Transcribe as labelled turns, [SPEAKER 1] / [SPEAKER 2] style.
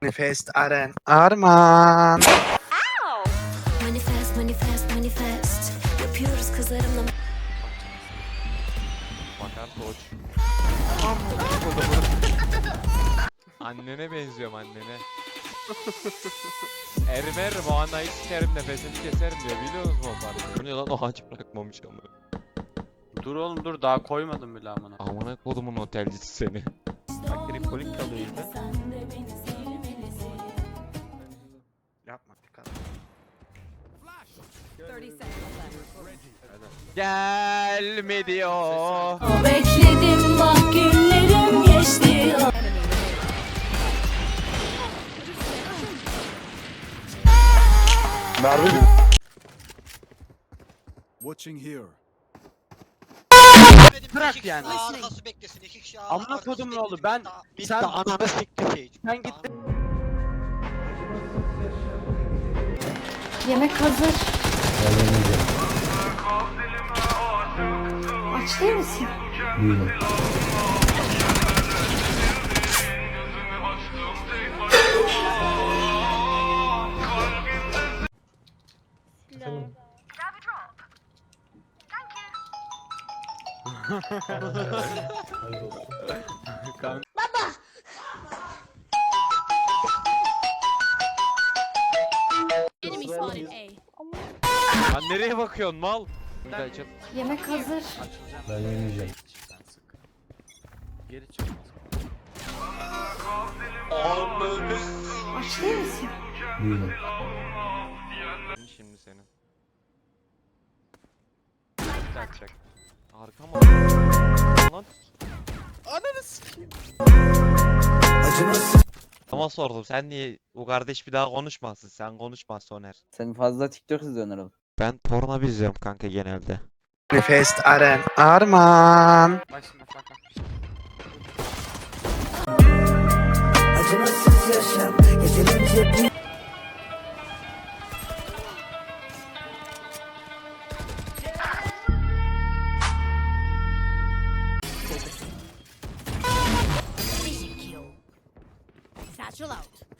[SPEAKER 1] Manifest Aren Arman.
[SPEAKER 2] Manifest, manifest, manifest. Yapıyoruz kızlarımla.
[SPEAKER 3] Bakar koç. Annene benziyorum annene. Erimer bu anayı sikerim nefesini keserim diyor biliyor musun o parayı? Bu ne lan o haç bırakmamış ama.
[SPEAKER 4] Dur oğlum dur daha koymadım bile amına.
[SPEAKER 3] Amına kodumun otelcisi seni. Bak tripolik kalıyor yine.
[SPEAKER 1] Yapma dikkat.
[SPEAKER 3] Gelme diyor.
[SPEAKER 2] Bekledim bak günlerim geçti.
[SPEAKER 5] Watching here.
[SPEAKER 4] Bırak yani.
[SPEAKER 6] Arkası beklesin iki kişi.
[SPEAKER 4] Amına kodum ne oldu ben
[SPEAKER 6] Sen ananı siktir.
[SPEAKER 4] ben gittim.
[SPEAKER 7] Yemek hazır. Aç değil misin?
[SPEAKER 2] Enemy spotted A.
[SPEAKER 3] Lan nereye bakıyorsun mal? Bir daha açıl.
[SPEAKER 7] Yemek hazır.
[SPEAKER 5] Ben yemeyeceğim.
[SPEAKER 4] Geri çık.
[SPEAKER 7] Aç değil misin?
[SPEAKER 5] Değilim.
[SPEAKER 3] Şimdi senin. Kaçacak. Arkama. Lan. Ananı sikeyim. Ama sordum sen niye bu kardeş bir daha konuşmasın sen konuşma Soner.
[SPEAKER 8] Sen fazla TikTok izliyorsun herhalde.
[SPEAKER 3] Ben porno izliyorum kanka genelde.
[SPEAKER 1] Manifest Aren Arman.
[SPEAKER 4] Bak şimdi bak bak.
[SPEAKER 2] Satchel out.